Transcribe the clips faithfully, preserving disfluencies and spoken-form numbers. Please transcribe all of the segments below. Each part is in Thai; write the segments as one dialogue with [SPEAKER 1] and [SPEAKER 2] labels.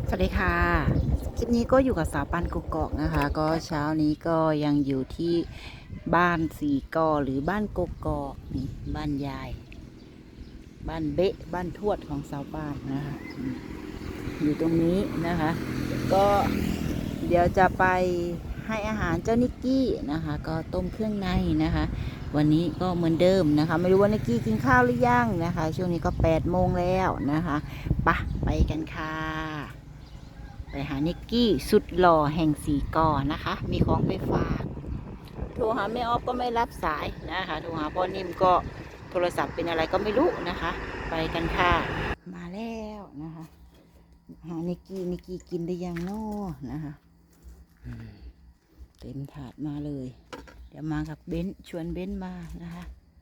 [SPEAKER 1] สวัสดีค่ะคลิปนี้ก็อยู่กับสาวปันกกอกนะคะก็เช้านี้ก็ยังอยู่ที่บ้านสีกอหรือบ้านกกอกนี่บ้านยายบ้านเบ๊ะบ้านทวดของสาวปานนะคะอยู่ตรงนี้นะคะก็เดี๋ยวจะไปให้อาหารเจ้านิกกี้นะคะก็ต้มเครื่องในนะคะวันนี้ก็เหมือนเดิมนะคะไม่รู้ว่านิกกี้กินข้าวหรือยังนะคะช่วงนี้ก็แปดโมงแล้วนะคะปะไปกันค่ะไปหานิกกี้สุดหล่อแห่งสีกอนะคะมีของไปฝากโทรหาแม่ออฟก็ไม่รับสายนะคะโทรหาพ่อนิ่มก็โทรศัพท์เป็นอะไรก็ไม่รู้นะคะไปกันค่ะมาแล้วนะคะหานิกกี้นิกกี้กินได้ยังน้อนะคะเต็มถาดมาเลยเดี๋ยวมากับเบนชวนเบนมานะคะ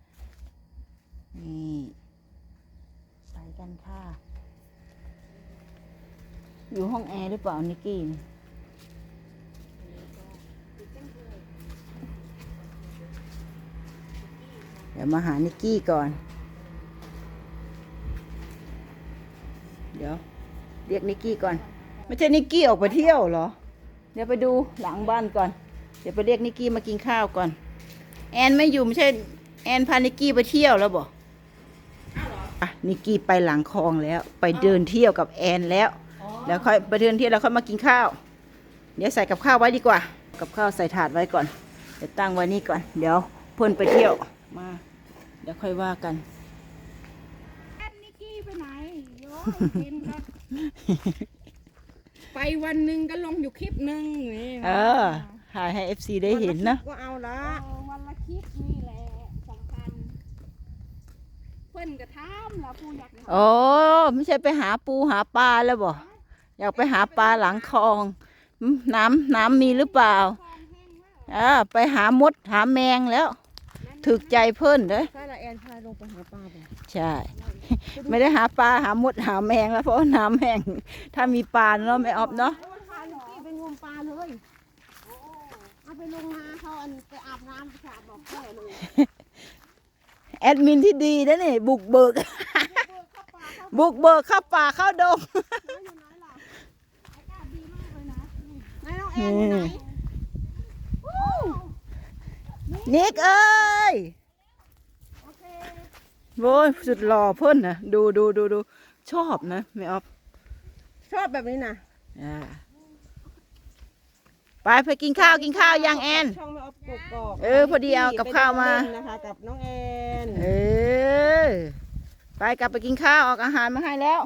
[SPEAKER 1] นี่ไปกันค่ะอยู่ห้องแอร์หรือเปล่านิกกี้เดี๋ยวมาหานิกกี้ก่อนเดี๋ยวเรียกนิกกี้ก่อนไม่ใช่นิกกี้ออกไปเที่ยวเหรอเดี๋ยวไปดูหลังบ้านก่อนเดี๋ยวไปเรียกนิกกี้มากินข้าวก่อนแอนไม่อยู่ไม่ใช่แอนพานิกกี้ไปเที่ยวแล้วบอกอ่ะนิกกี้ไปหลังคลองแล้วไปเดินเที่ยวกับแอนแล้วแล้วค่อยไปเดินเที่ยวแล้วค่อยมากินข้าวเดี๋ยวใส่กับข้าวไว้ดีกว่ากับข้าวใส่ถาดไว้ก่อนเดี๋ยวตั้งไว้นี่ก่อนเดี๋ยวเพิ่นไปเที่ยวมาเดี๋ยวค่อยว่ากัน
[SPEAKER 2] แอนนิกกี้ไปไหนโยกินครับไปวันหนึ่งก็ลงอยู่คลิปหนึ่งนี่
[SPEAKER 1] เออถ่ายให้ เอฟ ซี ได้เห็นนะ
[SPEAKER 2] ก็เอาละวันละคลิปนี่แหละสำคัญเพื่อนกระทำแล้วปูอยาก
[SPEAKER 1] โอ้ไม่ใช่ไปหาปูหาปลาแล้วบ่อยากไปหาปลาหลังคลองน้ำน้ำมีหรือเปล่าอ่าไปหามดหาแมงแล้วถึกใจเพิ่นเด้อ
[SPEAKER 2] ใช่ละแอนพาลงไปหาปลาบ่
[SPEAKER 1] ใช่ไม่ได้หาปลาหามดหาแมงแล้วเพราะน้ำแห้งถ้ามีปลาเนาะไม่ออบเนาะ
[SPEAKER 2] พานิกกี้ไปงมปลาเลยเอาไปลงนาเขาอันไปอาบน้ำสระบอกแค่เลย
[SPEAKER 1] แอดมินที่ดีนะนี่บุกเบิกบุกเบิกเข้าป่าเข้าดง
[SPEAKER 2] นายน้องแอนอยู่ไหน
[SPEAKER 1] นิกเอ้ยโว้ยสุดหล่อเพิ่นนะดูดูดูดูชอบนะไม่ออฟ
[SPEAKER 2] ชอบแบบนี้นะ
[SPEAKER 1] อ่าไปไปกินข้าวกินข้าวยังแอน
[SPEAKER 2] ช่องไม่ออฟกกอก
[SPEAKER 1] เออพอดีเอากับข้าวมา
[SPEAKER 2] นะคะกับน้องแอน
[SPEAKER 1] เออไปกลับไปกินข้าวออกอาหารมาให้แล้ว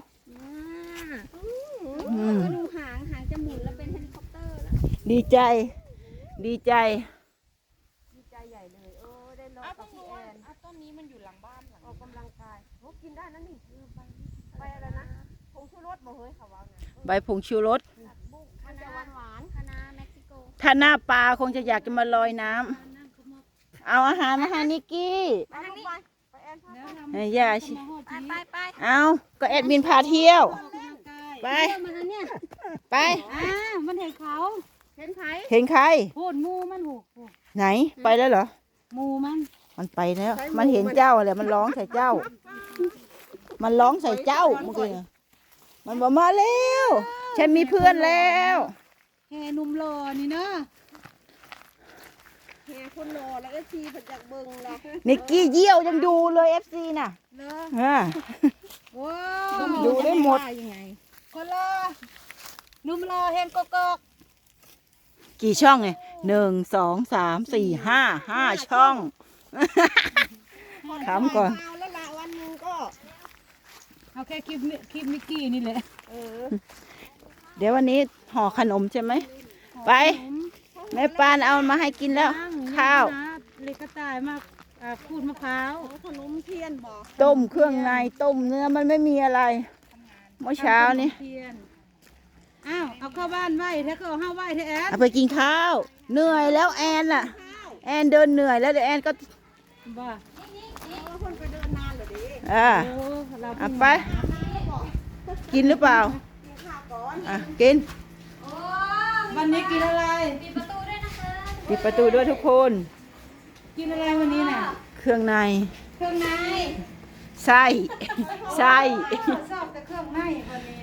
[SPEAKER 1] อืม
[SPEAKER 2] ดูหางหางจะหมุนแล้วเป็นเฮลิคอปเตอร์แล้ว
[SPEAKER 1] ดีใจ ดีใจ
[SPEAKER 2] ดีใจใหญ่เลยโอ้ได้ลองกับพี่แอนต้นนี้มันอยู่หลังบ้านหลังออกกำลังกายโอ้กินได้นะนี่ไปไปอะไรนะผงชูรสบ่เฮ้ยเขาว่าไง
[SPEAKER 1] ใบผงชูรส
[SPEAKER 2] มันจะหวานหวานคณะเม็กซิโก
[SPEAKER 1] ถ้าหน้าปลาคงจะอยากจะมาลอยน้ำเอาอาหารมาให้นิกกี้
[SPEAKER 2] ไปทางนี้ไปแอนพา
[SPEAKER 1] เฮ้ยย่าชิ
[SPEAKER 2] ไปไปไป
[SPEAKER 1] เอาก็แอดมินพาเที่ยว ไป
[SPEAKER 2] มาเนี่ย
[SPEAKER 1] ไป
[SPEAKER 2] อ่ามันเห็นเขาเห็นไผ
[SPEAKER 1] เห็นใคร
[SPEAKER 2] โหดมูมันหู
[SPEAKER 1] ไหน ไปแล้วเหรอ
[SPEAKER 2] มูมัน
[SPEAKER 1] มันไปแล้ว มันเห็นเจ้าเลยมันร้องใส่เจ้า มันร้องใส่เจ้าเมื่อกี้น่ะมันบอกมาแล้วฉันมีเพื่อนแล้ว
[SPEAKER 2] แห่นุ่มหล่อนี่เนาะแห่คนหล่อแล้วก็ชีผัดจากเบิงละ
[SPEAKER 1] นิกกี้เยี่ยวยังดูเลยเอฟซีน่ะ
[SPEAKER 2] เนาะ
[SPEAKER 1] อ่า
[SPEAKER 2] ว้าว
[SPEAKER 1] ดูได้หมด
[SPEAKER 2] ยังไงคนหล่อนุ่มหล่อแห่งกกอก
[SPEAKER 1] กี่ช่องไงหนึ่งสองสามสี่ห้าห้าช่องถามก่อน
[SPEAKER 2] เอาแล้วละวันหนึงก็
[SPEAKER 3] เอาแค่คลิปนี้คลิปนิกกี้นี่แหละ
[SPEAKER 2] เออ
[SPEAKER 1] เดี๋ยววันนี้ห่อขนมใช่ไหมไปแม่ปานเอามาให้กินแล้ว ข้าว
[SPEAKER 3] เล็กกระต่ายมากอ่าขูดมะพร้าว
[SPEAKER 2] ขนมเทียนบอก
[SPEAKER 1] ต้มเครื่องในต้มเนื้อมันไม่มีอะไรเมื่อเช้านี้
[SPEAKER 3] เทียนอ้าวเอาเข้าบ้านไหวถ้าก็เอาเข้าไหวเถอะแอน
[SPEAKER 1] เอาไปกินข้าวเหนื่อยแล้วแอนล่ะ แอนเดินเหนื่อยแล้วเดี๋ยวแอนก็
[SPEAKER 3] บ้า
[SPEAKER 2] เอาคนไปเดินนานเหรอดิ
[SPEAKER 1] อ่า
[SPEAKER 3] โอ้เรา
[SPEAKER 1] เอาไป กินหรือเปล่าอ่ะกิน
[SPEAKER 3] วันนี้กินอะไร
[SPEAKER 1] ปิดประตูด้วยทุกคน
[SPEAKER 3] กินอะไรวันนี้น่ะ
[SPEAKER 1] เครื่องใน
[SPEAKER 3] เครื่องใน
[SPEAKER 1] ไส้ไส้
[SPEAKER 3] ชอบแต่เครื่องในวันนี้นี่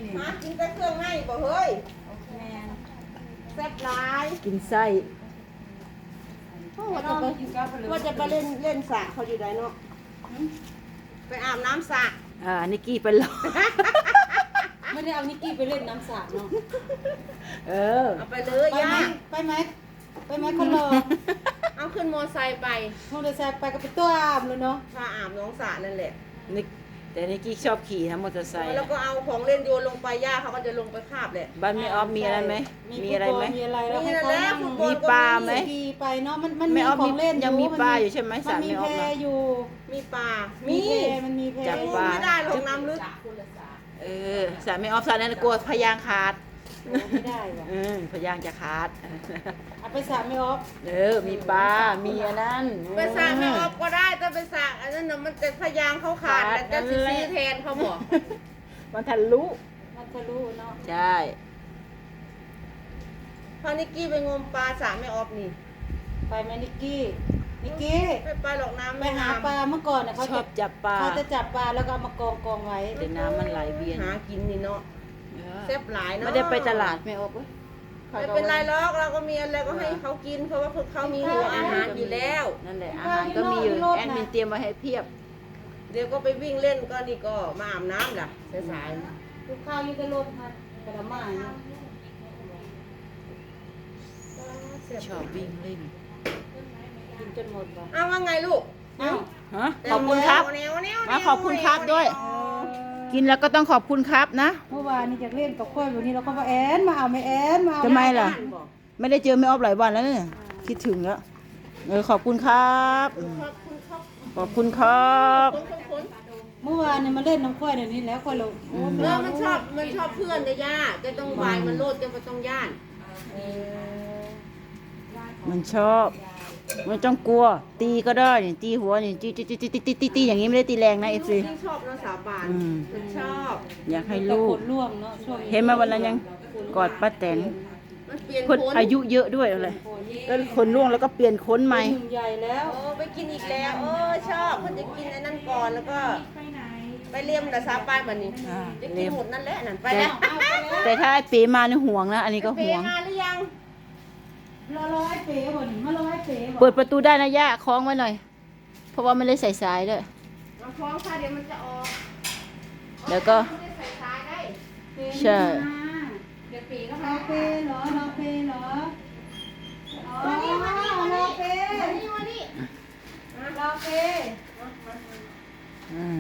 [SPEAKER 3] นี่
[SPEAKER 2] หากินแต่เครื่องในบ่เฮ้ย
[SPEAKER 3] แม่น
[SPEAKER 2] แซ่บหลาย
[SPEAKER 1] กินไส้
[SPEAKER 2] ว่าจะไปว่าจะไปเล่นเล่นสระเขาอยู่ไหนเนาะไปอาบน้ำสระ
[SPEAKER 1] อ่านิกกี้ไปรอ
[SPEAKER 3] ไม่ได้เอานิกกี้ไปเล่นน้ำสระเนาะ
[SPEAKER 1] เออ
[SPEAKER 2] เอาไปเลย
[SPEAKER 3] ไปไหม
[SPEAKER 2] ย่า
[SPEAKER 3] ไปไหมไปไหมคนรอ
[SPEAKER 2] เอาขึ้นมอไซค์ไป
[SPEAKER 3] มอเตอร์ไซค์ไปก็ไปตัวอาบเลยเนาะ
[SPEAKER 2] พาอาบน้องสระนั่นแหละ
[SPEAKER 1] นิกแต่นิกกี้ชอบขี่นะมอเตอร์ไซค์
[SPEAKER 2] แล้วก็เอาของเล่นโยนลงไปย่าเขาก็จะลงไปคาบแหละ
[SPEAKER 1] บ้านไม่ออฟมีอะไรไหมมีอะไรไหม
[SPEAKER 3] มีอะไรแล้ว
[SPEAKER 2] มี
[SPEAKER 3] ให้
[SPEAKER 2] นั่น
[SPEAKER 3] เขา
[SPEAKER 2] แหละ
[SPEAKER 3] นั่ง
[SPEAKER 2] ฟุตบอล
[SPEAKER 1] มี
[SPEAKER 2] ก็
[SPEAKER 1] ปลาไหม
[SPEAKER 3] ขี่ไปเนาะมันมัน
[SPEAKER 1] ไม่
[SPEAKER 3] มี
[SPEAKER 1] ออฟ
[SPEAKER 3] ข
[SPEAKER 1] มี
[SPEAKER 3] องเล่น
[SPEAKER 1] ยังมี
[SPEAKER 3] น
[SPEAKER 1] ปลาอยู่ใช่ไหม
[SPEAKER 3] มัน
[SPEAKER 1] สระ
[SPEAKER 3] มี
[SPEAKER 1] ไม่ออ
[SPEAKER 3] แพ
[SPEAKER 1] ฟนะ
[SPEAKER 3] อยู่
[SPEAKER 2] มีปลา
[SPEAKER 3] มี
[SPEAKER 2] มี
[SPEAKER 3] แพมันมีแพ
[SPEAKER 1] จับปลา
[SPEAKER 2] ไม่ได้ลงน้ำลึก
[SPEAKER 1] เออสระไม่ออฟสระนั้นกลัวพยางขาด
[SPEAKER 3] โอ้ไม่ได้ว่ะ
[SPEAKER 1] อืมพยางจะขาด
[SPEAKER 3] เอาไปสระไม่ออฟ
[SPEAKER 1] เออมีปลา มีอันนั้น
[SPEAKER 2] ไปสระไม่ออกก็ได้แต่ไปสระอันนั้นน่ะมันจะพยางเขาขาด
[SPEAKER 1] ขาด
[SPEAKER 2] แต่จะ
[SPEAKER 1] นั่นแหละ
[SPEAKER 2] ซื้อแทนเขาบอก
[SPEAKER 1] มันทะลุ
[SPEAKER 3] มันทะลุเนาะ
[SPEAKER 1] ใช่
[SPEAKER 2] พอนิกกี้ไปงมปลาสระไม่ออกนี่
[SPEAKER 3] ไปไหมนิกกี้นิกกี้
[SPEAKER 2] ไม่ไปหรอกน้ำ
[SPEAKER 3] ไป
[SPEAKER 2] ไม่
[SPEAKER 3] หา
[SPEAKER 2] น้ำ
[SPEAKER 3] ปลาเมื่อก่อนนะเขา
[SPEAKER 1] ชอ
[SPEAKER 3] จะ
[SPEAKER 1] บจับปลา
[SPEAKER 3] เขาจะจับปลาแล้วก็เอามากองกองไว้
[SPEAKER 1] แต่น้ำมันไหลเวียน
[SPEAKER 2] หากินนี่เนาะ
[SPEAKER 1] เออ
[SPEAKER 2] แซ่บหลายเนาะ
[SPEAKER 1] ไม่ได้ไปตลาดไม่ออกเว้ย
[SPEAKER 2] ไม่เป็นไรหรอกเราก็มีอะไรก็ให้เขากินเพราะว่าพวกเขามีหัวอาหารอยู่แล้ว
[SPEAKER 1] นั่นแหละอาหารก็มีอยู่แอดมินเตรียมมาให้เพียบ
[SPEAKER 2] เดี๋ยวก็ไปวิ่งเล่นก็นี่ก็มาอาบน้ำล่ะสาย
[SPEAKER 3] ลูกข้าวอยู่ในรถค่ะกระมาเนาะ
[SPEAKER 2] ๆ
[SPEAKER 1] ชอบวิ่งเล่น
[SPEAKER 3] กินจนหมดว่ะ
[SPEAKER 2] อ้าวว่าไงลูก
[SPEAKER 3] อ้าว
[SPEAKER 1] ฮะขอบคุณครับ
[SPEAKER 2] แนวแนวแนว
[SPEAKER 1] มาขอบคุณครับด้วย กินแล้วก็ต้องขอบคุณครับนะ
[SPEAKER 3] เมื่อวานนี่จากเล่นกับข้อยวันนี้เราก็ว่าแอนมาเอาไม่แอนมาเอา
[SPEAKER 1] ทำไมล่ะ ไม่ได้เจอไม่ออฟหลายวันแล้วเนี่ยคิดถึงแล้วเออขอบคุณครับอืม
[SPEAKER 2] ขอบคุณครับ
[SPEAKER 1] ขอบคุณครับ
[SPEAKER 2] ขอบคุณขอบคุณ
[SPEAKER 3] เมื่อวานเนี่ยมาเล่นน้ำข้อยเดี๋ยวนี้แล้วข้อยเราโอ้
[SPEAKER 2] เออมันชอบมันชอบเพื่อนเด้อย่าจะต้องวายมันโลดจะไม่ต้องย่าน
[SPEAKER 1] มันชอบมันต้องกลัว ตีก็ได้นี่ตีหัวนี่ตีตีตีตีตีตีตีอย่างนี้ไม่ได้ตีแรงนะเอฟซี
[SPEAKER 2] ที่ชอบเนาะสาวบาน
[SPEAKER 1] อืม
[SPEAKER 2] มันชอบ
[SPEAKER 1] อยากให้
[SPEAKER 3] ตะ
[SPEAKER 1] ลู
[SPEAKER 3] ก
[SPEAKER 1] ก
[SPEAKER 3] ดล่วงเนาะช่วง
[SPEAKER 1] เห็นไหมาวันนั้นยังกอดป้าแตน
[SPEAKER 2] มันเปลี่ยน
[SPEAKER 1] เพิ่น
[SPEAKER 2] คน
[SPEAKER 1] อายุเยอะด้วยอะไรแล้วคนล่วงแล้วก็เปลี่ยนค้นใหม่
[SPEAKER 3] หนึ่งใหญ่แล้ว
[SPEAKER 2] โอ้ไปกินอีกแล้วเออชอบเพิ่นจะกินไอ้นั่นก่อนแล้วก็ไปเลี่ยมแต่สาวปานบัดนี้
[SPEAKER 1] อ่า
[SPEAKER 2] จะกิ
[SPEAKER 1] เล่
[SPEAKER 2] น
[SPEAKER 1] ม
[SPEAKER 2] หมดนั่นแหละนั่นไปแล้ว
[SPEAKER 1] แต่ถ้าไอ้ปีมาเนี่ยห่วงนะอันนี้ก็
[SPEAKER 2] เป
[SPEAKER 1] ห่วง
[SPEAKER 2] มาหรือยัง
[SPEAKER 3] รอรอไอ้เป๋บ่นมารอไอ้เป๋บ่
[SPEAKER 1] เปิดประตูได้นะย่าคล้องไว้หน่อย เพราะว่าไม่ได้ใส่สายด้วย
[SPEAKER 2] มาคล้องค่ะเดี๋ยวมันจะออก
[SPEAKER 1] แล้วก็
[SPEAKER 2] ไม่ได้ใส่สายได้
[SPEAKER 3] เป๋
[SPEAKER 1] ใช่
[SPEAKER 2] เดี๋ยวปีก็
[SPEAKER 3] ร
[SPEAKER 2] มา
[SPEAKER 3] อเป๋เหรอรอเป๋เหรออ๋อ
[SPEAKER 2] มานี่มานี่มาร
[SPEAKER 3] อ
[SPEAKER 2] นี่
[SPEAKER 3] เป๋
[SPEAKER 2] มานี่มานี่
[SPEAKER 3] รอเป๋
[SPEAKER 1] อืม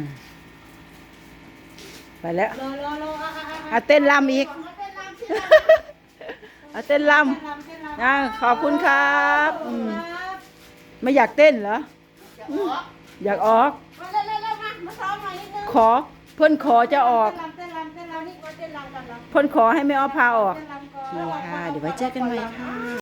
[SPEAKER 1] ไปแล้ว
[SPEAKER 3] รอรอรออ่ะอ่ะอ่ะ
[SPEAKER 1] เอาเต้นรำอีก
[SPEAKER 2] มาเต้นรำสิ
[SPEAKER 1] เอาเต้นร
[SPEAKER 3] ลำเต้นลำ
[SPEAKER 1] ำอ่าขอบคุณครับอืม
[SPEAKER 3] ครับ
[SPEAKER 1] ไม่อยากเต้นเหรอ
[SPEAKER 2] จะออก
[SPEAKER 1] อยากออก
[SPEAKER 2] มาเร็วเร็วเร็วมามาซ้อมหน่อยนิดนึง
[SPEAKER 1] ขอ เพื่อนขอจะออก
[SPEAKER 3] เต้นลำเต้นลำเต้นลำนี่
[SPEAKER 2] มาเต้นรำกันเหรอ
[SPEAKER 1] เพื่อนขอให้ไม่ออฟพาออก
[SPEAKER 3] เต้นลำก่อน
[SPEAKER 1] นี่ค่ะ เดี๋ยวไว้เจอกันใหม่ค่ะ